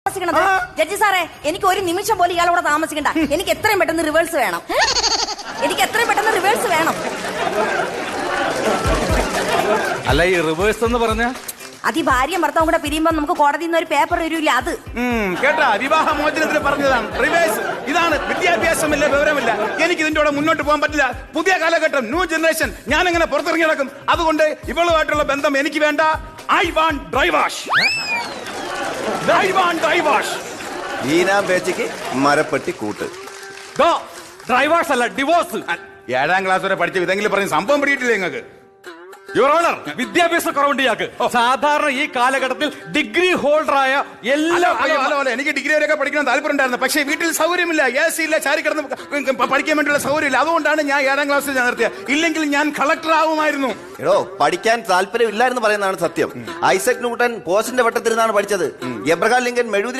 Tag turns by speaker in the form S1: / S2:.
S1: Judge സാറേ, എനിക്ക് ഒരു നിമിഷം പോലും ഇയാളോടെ താമസിക്കണ്ട. എനിക്ക് എത്രയും പെട്ടെന്ന് റിവേഴ്സ് വേണം.
S2: അല്ല, ഈ റിവേഴ്സ് എന്ന് പറഞ്ഞ
S1: അത് ഈ ഭാര്യയും ഭർത്താവും കൂടെ പിരിയുമ്പോ നമുക്ക് കോടതിയിൽ നിന്ന് ഒരു പേപ്പർ വരില്ല. അത്
S3: കേട്ടാ, വിവാഹ മോചനത്തിന് പറഞ്ഞതാണ് റിവേഴ്സ്. ഇതാണ് വിദ്യാഭ്യാസമില്ല, വിവരമില്ല. എനിക്ക് ഇതിന്റെ കൂടെ മുന്നോട്ട് പോകാൻ പറ്റില്ല. പുതിയ കാലഘട്ടം, ന്യൂ ജനറേഷൻ. ഞാൻ എങ്ങനെ പുറത്തിറങ്ങി നടക്കും? അതുകൊണ്ട് ഇവളുമായിട്ടുള്ള ബന്ധം എനിക്ക് വേണ്ട. I want divorce.
S4: ഈനാം പേച്ചയ്ക്ക് മരപ്പെട്ടി കൂട്ട്.
S2: ഡ്രൈവേഴ്സ് അല്ല, ഡിവോഴ്സ്.
S3: 7ാം ക്ലാസ് വരെ പഠിച്ച ഇതെങ്കിലും പറഞ്ഞ് സംഭവം പിടിയിട്ടില്ലേ നിങ്ങൾക്ക്?
S2: യുവർ ഓണർ, വിദ്യാഭ്യാസ കുറവുണ്ട് ഇയാൾക്ക്. സാധാരണ ഈ കാലഘട്ടത്തിൽ ഡിഗ്രി ഹോൾഡറായ എല്ലാ
S3: എനിക്ക് ഡിഗ്രി വരെയൊക്കെ പഠിക്കണം താല്പര്യം ഉണ്ടായിരുന്നു. പക്ഷേ വീട്ടിൽ സൗകര്യമില്ല, AC ഇല്ല, ചാരി കിടന്ന് പഠിക്കാൻ വേണ്ടിയുള്ള സൗകര്യമില്ല. അതുകൊണ്ടാണ് ഞാൻ 7ാം ക്ലാസ്സിൽ ഞാൻ നിർത്തിയത്. ഇല്ലെങ്കിൽ ഞാൻ കളക്ടർ ആവുമായിരുന്നു.
S4: എടോ, പഠിക്കാൻ താല്പര്യം ഇല്ലായിരുന്നു പറയുന്നതാണ് സത്യം. ഐസക് ന്യൂട്ടൻ പോസ്റ്റിന്റെ വട്ടത്തിരുന്നാണ് പഠിച്ചത്. എബ്രഹാം ലിങ്കൻ മെഴുകുതിരി